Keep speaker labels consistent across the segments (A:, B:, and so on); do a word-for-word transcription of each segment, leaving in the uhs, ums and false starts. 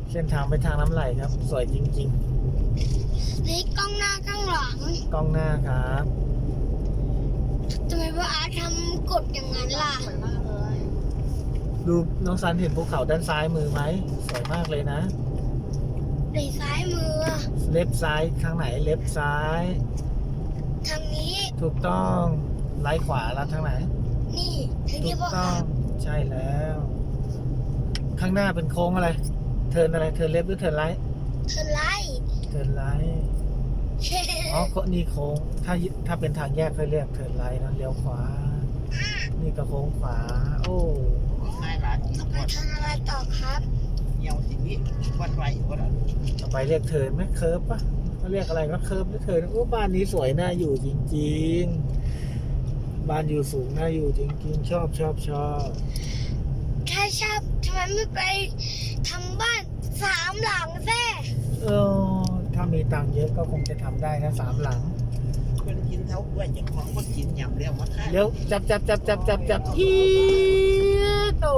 A: เส้นทางไปทางน้ำไหลครับ สวยจริง
B: นี่กล้องหน้าข้างหลัง
A: ๆ กล้องหน้าครับ
B: ทำไมว่าอาร์ตทำกดอย่างนั้นล่ะ
A: ดูน้องซันเห็นภูเขาด้านซ้ายมือไหมสวยมากเลยนะ
B: ในซ้ายมือ
A: เล็บซ้ายข้างไหนเล็บซ้าย
B: ทางนี้
A: ถูกต้องไล่ขวาแล้วทางไหน
B: นี่ทาง
A: ถู
B: นี้
A: ก
B: พ่อค
A: ต้อ
B: รั
A: ง
B: บ
A: ใช่แล้ว ข้างหน้าเป็นโค้งอะไร เทิร์นอะไรเทิร์นเล็บหรือเทิร์นไลท์
B: เธอไล่
A: เทิร์นไลท์อ๋อนี่โค้งถ้าถ้าเป็นทางแยกค่อยเรียกเทิร์นไลท์นะเลี้ยวขวา นี่ก็โค้งขวา โอ้
C: ง่ายหลาน
B: ต่อไปทำอะไรต่อครับ
C: เหี่ยวสิ่งนี้วัดไว้วัดอะไร
A: ต่อไปเรียกเทิร์นไหมเคิร์ฟปะเขาเรียกอะไรก็เคิร์ฟหรือเทิร์นโอ้บ้านนี้สวยน่าอยู่จริงๆ บ้านอยู่สูงน่าอยู่จริงๆ ชอบชอบชอบ
B: ถ้าชอบทำไมไม่ไปทำบ้านสามหลังแท้
A: เออถ้ามีตังค์เยอะก็คงจะทำได้นะสามหลัง
C: คนกินเท้ากล้วยเจ้าของคนกินยำเรียวมาท่า
A: เดี๋ยวจับจับจับจับจับจับอีดโอ้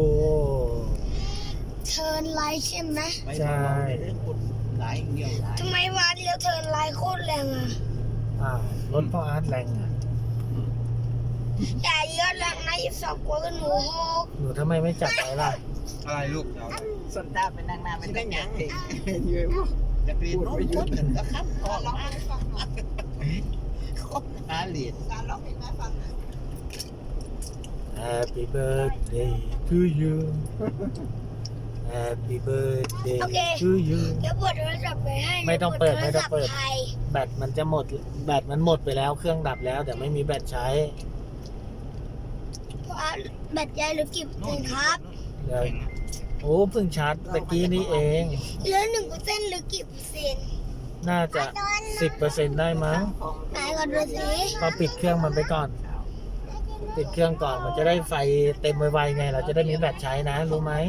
B: เทิร์นไลท์ใช่ไหม
C: ไปเรื่องคนหลายเดียวหลาย
B: ทำไมวานเลี้ยวเทิร์นไลท์โคตรแรงอ่ะ
A: อ้าวรถพ่ออาร์ตแรงอ่ะ
B: อย่าเยอะแรงนะอีกสองกว่าก็หนูหก
A: หนูทำไมไม่จับไว้ล่ะ
D: อะไรลูกเอา
C: สนตาเป็นนางนาเป็นได้ยังเยอะจะเรียนโน้ตคนหนึ่งก็ครับพอร้องให้ฟังหน่อยคนหาเหรียญการร้องเพลงให้ฟัง
A: Happy birthday to you Happy birthday to you
B: เดี๋ยวเปิดโทรศัพท์ไปให้
A: ไม่ต้องเปิดไม่ต้องเปิด
B: โทรศัพท์ไทย
A: แบตมันจะหมด แบตมันหมดไปแล้วเครื่องดับแล้วแต่ไม่มีแบตใช้
B: เพราะอาร์ตแบตยายเหลือกี่เปอร์เซ็นต์ครับ
A: เดี๋ยวโอ้เพิ่งชาร์จตะกี้นี้เอง
B: เหลือหนึ่งเปอร์เซ็นต์หรือกี่เปอร์เซ็นต์
A: น่าจะสิบเปอร์เซ็นต์ได้มั้ง
B: ไหนก่อนดูสิ
A: ก็ปิดเครื่องมันไปก่อน ปิดเครื่องก่อนมันจะได้ไฟเต็มไวๆไง เราจะได้มีแบตใช้นะ รู้ไหม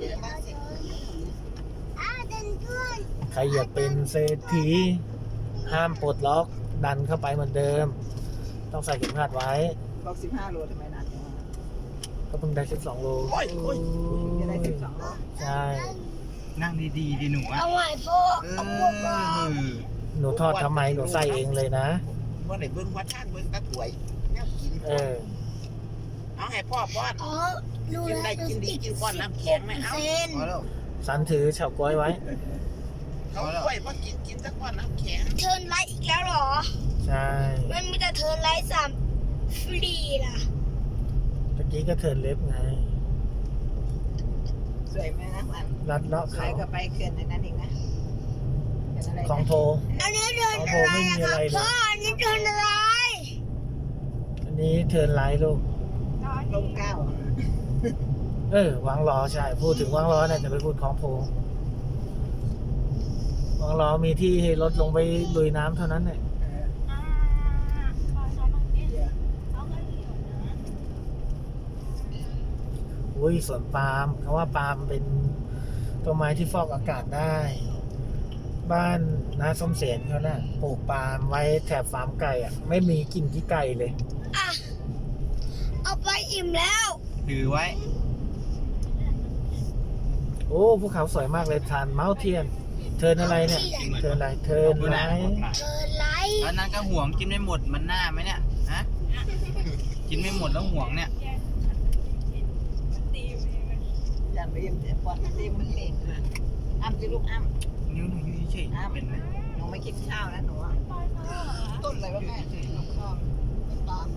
A: ใครอยากเป็นเศรษฐีห้ามปลดล็อกดันเข้าไปเหมือนเดิม ต้องใส่เข็มขัดไว้
C: บอกสิบห้าโลทำไมนานจังวะ
A: ก็เพิ่งได้สิบสองโล
C: โอ้ยโอ้ยจะได้สิบสองโล
A: ใช่
D: นั่งดีๆดิหนูอ่ะ
B: เอาใหม่พ่อ
D: เอ
B: เอาพวกเรา
D: อ
A: หนูทอดทำไมหนูใส่เองเลยนะ
C: ว่าไหนเบิ้งวัดท่านเบิ้งตะกวยเนี่ยกิน
A: เออ
C: เอาให้พ่อป้อน
B: อ๋อรู้
C: กิน
B: แล้ว
C: ได้กินดีกินก้อนน้ำแข็งไหมเอา
B: เซ็น
D: พอแล้ว
A: สันถือเฉาก๊วยไว้
C: เขากล้วยว่ากินกินสักก้อนน้ำแข็ง
B: เทิร์นไลท์อีกแล้วเหรอ
A: ใช่
B: มันมีแต่เทิร์นไลท์สามฟรีล่ะ
A: ตะกี้ก็เทิร์นเล็บไง
C: สวยไหมนะมัน
A: รัดเลาะ
C: สว
A: เขา
C: ยก็ไปเขื่อนในนั้นเองนะ
A: ของโทร
B: อันนี้เทิร์น
A: โอ้
B: อะ
A: โห
B: ไร
A: ไม่มี
B: อะ
A: อะ
B: ค
A: ไร
B: รับ
A: เลย
B: พ่ออันนี้เทิร์นอะไร
A: อันนี้เทิร์นไลท์ลูก
C: ลงเก้า
A: เออวางล้อใช่ พูดถึงวางล้อเนี่ยจะไปพูดของโพวางล้อมีที่ให้รถลงไปลุยน้ำเท่านั้นเนี่ยอุ้ยสวนปาล์มเขาว่าปาล์มเป็นต้นไม้ที่ฟอกอากาศได้ บ้านน้าส้มเสนเขาน่ะปลูกปาล์มไว้แถบฟาร์มไก่อ่ะ ไม่มีกลิ่นขี้ไก่เลย
B: อ่ะ เอาไปอิ่มแล้ว
D: ถือไว้
A: โอ้ภูเขาสวยมากเลยทานเมาเทียน เทิร์นอะไรเนี่ย เทิร์นอะไรเทิร์นไลท์
B: เทิร์นไลท์
D: แล้วนั้นก็ห่วงกินไม่หมดมันหน้าไหมเนี่ยฮะกินไม่หมดแล้วห่วงเนี่ย
C: อย่าไปยิ้มแต่ปอนตีมันเละอ้ำจะลูกอ้ำ
D: นิ้วหนูอยู่เฉยๆเป็นไหม
C: หนูไม่กินข้าวนะหนูต้นอะไรวะแม่ข้าวตาม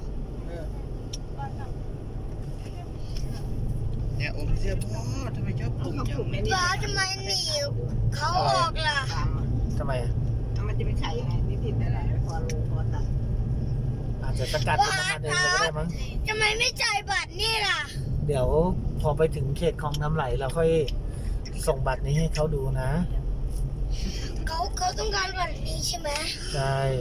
D: เนี่ยอมเสื้อพ่อทำไมชอบอมจัง
B: ว้าทำไมหนีเขาออกล่ะ
C: ตาม
A: ทำไมอะ
C: มันจะไปขายยังไงนิดๆได้ไรพอรู้พอตัด
A: อาจจะสกัดเป็นน้ำมันเองเลยก็ได้มั้ง
B: ทำไมไม่จ่ายบัตรนี่ล่ะ
A: เดี๋ยวพอไปถึงเขตคลองน้ำไหลเราค่อยส่งบัตรนี้ให้เขาดูนะ
B: เขาเขาต้องการบัตรนี้ใช่ไหม
A: ใช่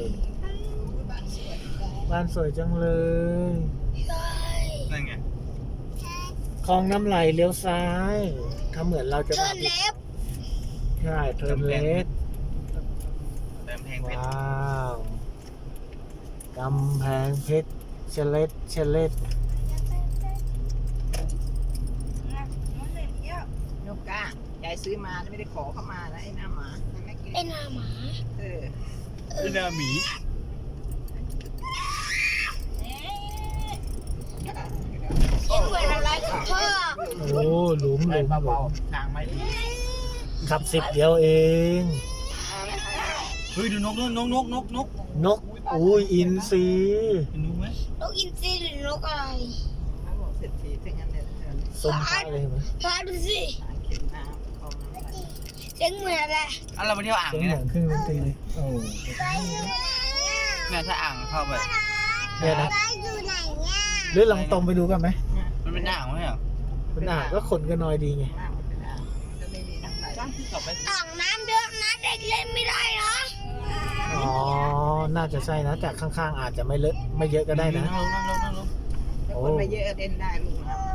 A: บ้านสวยจังเลย
B: ใช่
D: นั่นไง
A: คลองน้ำไหลเลี้ยวซ้ายถ้าเหมือนเราจะ
B: เทิ
A: มา
B: ร์นเล็บ
A: ใช่เทิร์นเลส
D: เติมแพงเพชร
A: ว้าวกำแพงเพชรเชลเลตเชลเลต
C: นกก้าใจายซื้อมาไม่ได้ขอเข้ามานะไอ้หน้าหมา
B: ไอ้หน้าหมา
C: เออ
D: เป็นนาหมี
B: คิดเหมือนอะไรกับพ่อ
A: โอ้หลุมหลุมหลุ
D: เบาม ๆทางไม่ดี
A: ขับสิบเดียวเอง
D: เฮ้ยดูนกนกนกนกนกนก
A: นกอุ้ยอินทรี
D: เห็นนกไหม
B: นกอินทรีหรือนกอะไร
C: เขาบอกเศรษฐีทั้งนั้นเลย
A: สมพระเลยเห็นไหม
B: พาดูสิ
C: เข็นน้ำคลองน้ำไป
B: เสียงเหมือนอะไร
D: อ่ะเราไปเที่ยวอ่าง
A: เสียง
D: เนี่ย
A: เหมือนเครื่องดนตรีเลยโอ้
D: เนี่ยถ้าอ่างเข้าไป
A: เนี่ยนะ
B: ไปอยู่ไหนเนี่ย
A: หรือลองตรงไปดูกันไหม
D: มันเป็นอ่างไหมเหรอ
A: เป็นอ่างก็คนก็น้อยดีไง
C: น้ำมันเป็นอ่างจะไม่มีน้ำไหล
D: จ้างที่กลับไป
B: อ่างน้ำเยอะนะเด็กเล่นไม่ได้นะ
A: อ๋อ น่าจะใช่นะแต่ข้างๆอาจจะไม่เลอะไม่เยอะก็ได้นะ
D: นั่งลงนั่งลงนั่งลง
C: แต่คนไม่เยอะเล่นได้ลูกน้ำ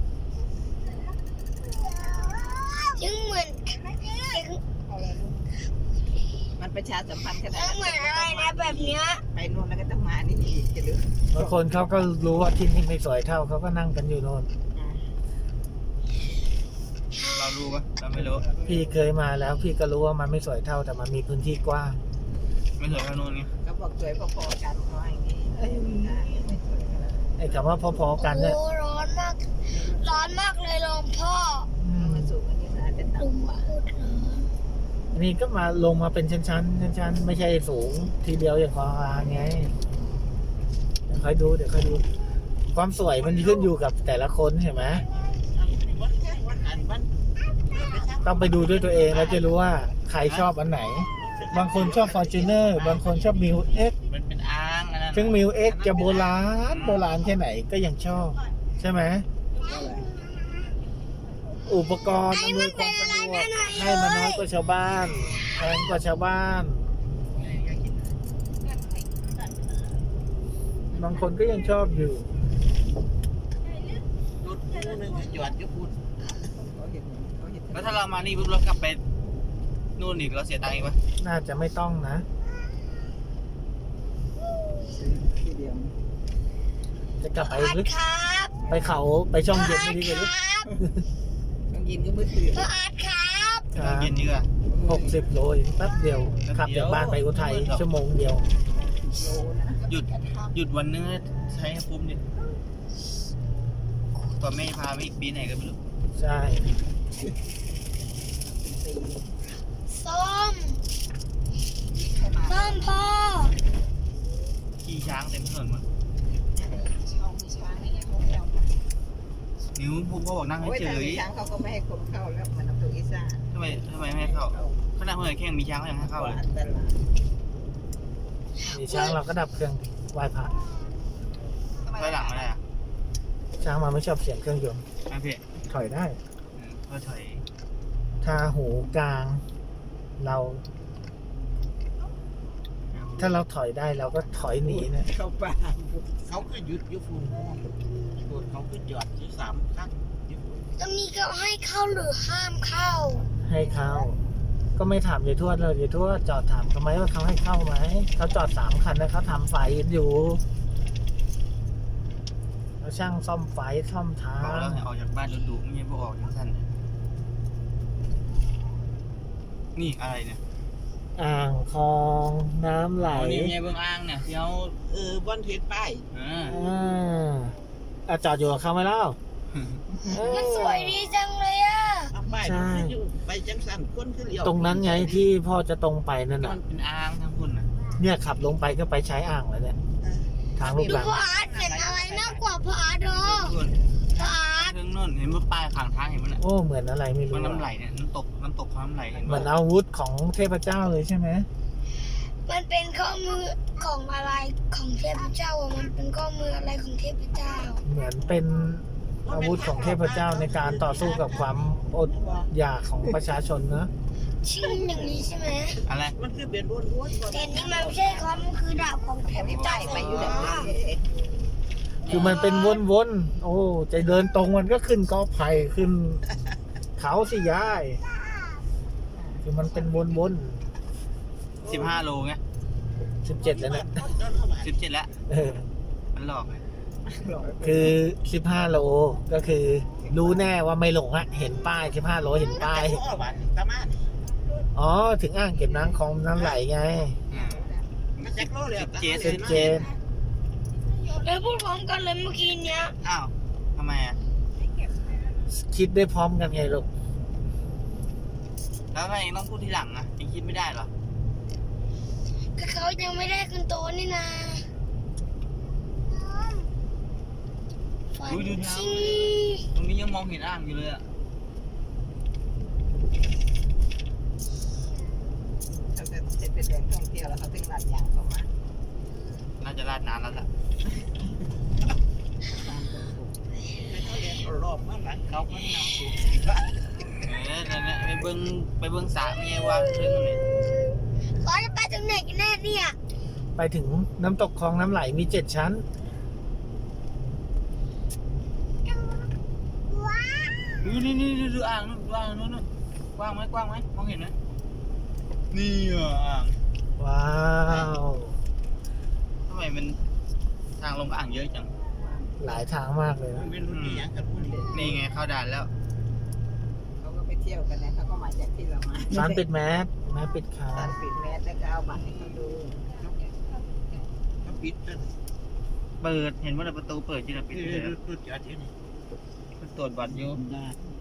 B: เสียงเหมือนเสียง
C: มันประชาสัมพันธ์ขนาด
B: เสียงเหมือนอะไรนะแบบเนี้ย
C: ไปนู่นแล้วก็ต้องมานี่อีกจะรู้
A: บางคนเขาก็รู้ว่าที่นี่ไม่สวยเท่าเขาก็นั่งกันอยู่โน่น
D: เรารู้ปะเราไม่รู้
A: พี่เคยมาแล้วพี่ก็รู้ว่ามันไม่สวยเท่าแต่มันมีพื้นที่กว้าง
D: ไม่สวยเท่านู้นไง
C: ก็บอกสวยพอๆกันเขาอย่างนี้เอ้ยไม่สวยขนาด
A: ไอ้คำว่าพอๆกันเนี่ย
B: โอ้ร้อนมาก ร้อนมากเลยหลวงพ่อ
A: อืม
C: มันสูงกว่านี้นะจะ
B: ลุ
C: ต่ำ
B: ง
C: กว่า
B: พูดร้อน
A: อันนี้ก็มาลงมาเป็นชั้นๆชั้นๆไม่ใช่สูงทีเดียวอย่างคออาไงเดี๋ยวค่อยดูเดี๋ยวค่อยดู ความสวยมันขึ้นอยู่กับแต่ละคนเห็นไหมต้องไปดูด้วยตัวเองแล้วจะรู้ว่าใครชอบอันไหน บางคนชอบ Fortuner บางคนชอบ Mil X
D: มันเป็นอ่างอันนั้น
A: ซึ่ง Mil X จะโบราณโบราณแค่ไหนก็ยังชอบ ใช่ไหม อุปกรณ์อำนวยความสะดวกให้มันน้อยกว่าชาวบ้านแพงกว่าชาวบ้าน บางคนก็ยังชอบอยู่
C: รถคู่นึงหยอดยุบพูดเขาเห็นเขาเห็น
D: แล้วถ้าเรามานี่ปุ๊บเรากลับไปนู่นอีกเราเสียตังค์อีกปะ
A: น่าจะไม่ต้องนะ
C: ซื้อทีเดียว
A: จะกลับไป
B: พ่ออาร์
A: ลึ
B: ต
A: ก
B: ครับ
A: ไปเขาไปช่องเย็นไม่ดีกว่าลึก
C: ต้องยินก็มือถือ
B: พ่ออาร์ตครับ
D: ตอนเย็นดีกว่า
A: หกสิบโลเองแป๊บเดียวขับจากบ้านไปอุทัยชั่วโมงเดียว
C: โลนะ
D: หยุดหยุดวันนึงใช้ให้คุ้มดิตัวแม่พาไปอีกปีไหนก็ไม่รู้
A: ใช่
C: ตี
B: ส้ม
C: เข้ามา
B: ส้มพ่อ
D: ขี่ช้างเต็มถนนหมด
C: ช่องมีช้างนี่ไงเขาไม่เอา
D: นิ้วพูดเขาบอกนั่งให้
C: โอ้ย
D: เฉ
C: แต่
D: ย
C: มีช้างเขาก็ไม่ให้คนเข้าแล้วมันเอาตัวอีซ่า
D: ทำไมทำไมไม่ให้เข้าขนาดเพื่อนแข่งมีช้างก็ยังให้เข้าเลย
C: อันตราย
A: มีช้างเราก็ดับเครื่องไหว้พระ
D: ถอยหลังไม่ได้อะ
A: ช้างมาไม่ชอบเสียงเครื่องยนต์
D: ไม่เพ่
A: ถอยได้
D: เพื่อถอย
A: ถ้าหูกลาง เรา ถ้าเราถอยได้เราก็ถอยหนีนะ
C: เข้าป่า
E: เขาคือหยุดอยุฟูนฟูนเขาคือหยอดที่สามครั้งอยุฟูน
B: ตรงนี้ก็ให้เข้าหรือห้ามเข้า
A: ให้เข้า ก็ไม่ถามยายทวดเลยยายทวดจอดถามเขาไหมว่าเขาให้เข้าไหมเขาจอดสามคันนะเขาทำไฟอยู่เขาช่างซ่อมไฟซ่อมทา
D: บอกแล้ว
A: ง
D: ให้ออกจากบ้านดุๆไม่ใช่พวกออกจากสั้นนี่อะไรเนี่ย
A: อ่างคลองน้ำไหล
D: นี่ไงเบื้องอ่างเนี่ยที่เขา
E: เออบอนเทสป้าย
D: อ่า
A: อ่าอ่ะจอดอยู่กับเขาไหมเล่าเออ
B: มันสวยดีจังเลยอ่ะ
E: เอาป้าย
A: ใช่
E: มันคืออยู่ไปจังสันคนคือเลี้ยว
A: ตรงนั้นไงที่พ่อจะตรงไปนั่น
D: มั
A: น่ะ
D: นเป็นอ่างทั้งคุณนะ
A: เนี่ยขับลงไปก็ไปใช้อ่างแล้วเนี่ย ทางลูก
B: ดู
A: หลัง
B: พ่ออาร์ตเป็นอะไรมากกว่าพ่ออาร์ตเหรอ
D: คุณ
B: พ่ออาร์ต
D: เรื่องนู่นเห็นว่าป้ายข้างทางเห็นมันอ่ะ
A: โอ้เหมือนอะไรไม่รู้
D: มันน้ำไหล
A: อะ
D: เนี่ยน้ำตกน้ำตกความน้ำไหลเห็น
A: เหมื
D: ปะ
A: อนอาวุธของเทพเจ้าเลยใช่ไหม
B: มันเป็นข้อมือของอะไรของเทพเจ้าอ่ะมันเป็นข้อมืออะไรของเทพเจ้า
A: เหมือนเป็นอาวุธของเทพเจ้าในการต่อสู้กับความอดอยากของประชาชนนะ
B: ชื่ออย่างนี้ใช่ไหม
D: อะไร
E: มันคือเป็นวนวนๆ
B: แต่นี่มันไม่ใช่ครับมันคือดาบของเทพ
C: ไม่
B: เจ้า
C: ไปไปอยู่แบบนี้
A: คือมันเป็นวนๆโอ้จะเดินตรงมันก็ขึ้นกอไผ่ขึ้น เขาสิยาย คือมันเป็นวน
D: สิบห้าโลไง
A: ๆสิบเจ็ดแล้วเนี่ย
D: สิบเจ็ดแล้ว
A: เออ
D: มันหลอกเลย
A: คือสิบห้าโลก็คือรู้แน่ว่าไม่หลงอะเห็นป้ายสิบห้าโลเห็นป้าย
E: โอ้บ้านตะมาน
A: อ๋อ ถึงอ่างเก็บน้ำคลองน้ำไหลไง
D: อืม
E: มันแจ็คโลเลย
D: เจ็ด
A: เจนเจน
B: แล้วพูดพร้อมกันเลยเมื่อกี้เนี้ย
D: อ้าวทำไมอ่ะ
A: คิดได้พร้อมกันไงลูก
D: แล้วทำไมเองต้องพูดทีหลังอ่ะเองคิดไม่ได้เหรอ
B: ก็เขายังไม่ได้ขึ้นโตนี่นาฝัน
D: ดูดูเท้า
B: จริง
D: ตรงนี้ยังมองเห็นอ่างอยู่เลยอ่ะ
C: เขาจะเสร็จเป็นแหล่งท่องเที่ยวแล้วเขาถึงลาดยางเข้ามา
D: น่าจะลาดน้ำแล้วล่ะ
E: เขาเรียนรอบมาหลังเขาเขานำสู่
D: เออนั่นแหละไปเบิ้งไปเบิ้งสระไม่ใช่ว่าเรื่องอะไร
B: เขาจะไปถึงไหนกันแน่เนี่ย
A: ไปถึงน้ำตกคลองน้ำไหลมีเจ็ดชั้น
D: ดูนี่นี่ดูอ่างนู่นดูอ่างนู่นนู่นกว้างไหมกว้างไหมมองเห็นไหมนี่อ่ะอ่าง
A: ว้าว
D: ทำไมมันทางลงอ่างเยอะจัง
A: หลายทางมากเลยนะ
E: ไม่รู้ที่ยังกันพูดเลย
D: นี่ไงเข้าด่านแล้ว
C: เขาก็ไปเที่ยวกันนะเขาก็มาจากที่เรามา
A: ร้านปิดแมสแมสปิดขา
C: ร้านปิดแมสแล้วก็เอาบัตรให้เขาดู
E: เขาปิดจน
D: เปิดเห็นว่าประตูเปิดจีนปิด
E: นี่
D: เลย
E: รู้จักที่นี่
D: ตรวจบัตรอยู่
E: ได้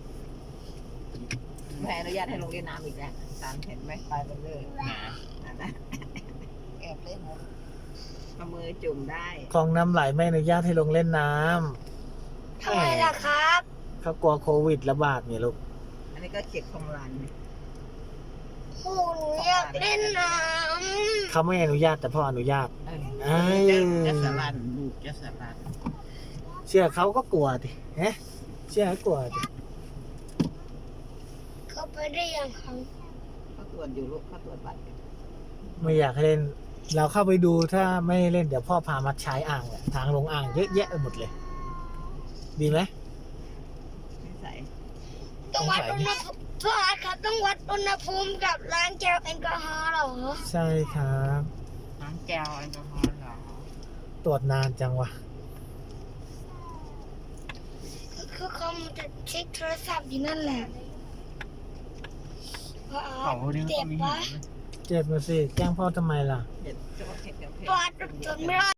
C: ไม่อนุญาตให้ลงเล่นน้ำอีกแล้วสารเห็นไหมไปมันเลย
D: นะ
C: นั่นนะแอบเล่นเอามือจุ่มได้
A: คลองน้ำไหลไม่อนุญาตให้ลงเล่นน้ำ
B: ทำไมล่ะครับ
A: เขากลัวโควิดระบาดไงลูก
C: อันนี้ก็เขตคลองลาน
B: โอ้หนูอยากเล่นน้
A: เขาไม่อนุญาตแต่พ่ออนุญาต
C: เออ
A: เอ้ย
E: จะสลันลูกจะสลัน
A: เชื่อเขาก็กลัวดิฮะเชื่อเขากลัวดิ
B: ำเขาไปได้ยังครับ
C: เขาตรวจอยู่ลูกเขาตรวจบัตร
A: ไม่อยากให้เล่น เราเข้าไปดูถ้าไม่เล่นเดี๋ยวพ่อพามาใช้อ่างแหละทางลงอ่างเยอะแยะไปหมดเลย ดีไหม
C: ไม่ใส่
B: ต้องวัดอุณหภูมิพ่ออาร์ตครับต้องวัดอุณหภูมิกับล้างแก้วแอลกอฮอล์เหรอ
A: ใช่ครับ
D: น้ำแก้วแอลกอฮอล์เหรอ
A: ตรวจนานจังวะ
B: คือเขาจะเช็คโทรศัพท์อยู่นั่นแหละพ่ออา
D: เขา
B: ร์ต
D: เนี่ย
B: เจ็
D: ก็
B: บ
D: มี
B: ปะ
D: เห็นไหม
A: เจ็บมาสิแกล้งพ่อทำไมล่ะ
C: เห็ดเฉพาะเห็ดกับเห็ด
B: พ่ออาร์ตทนไม่ได้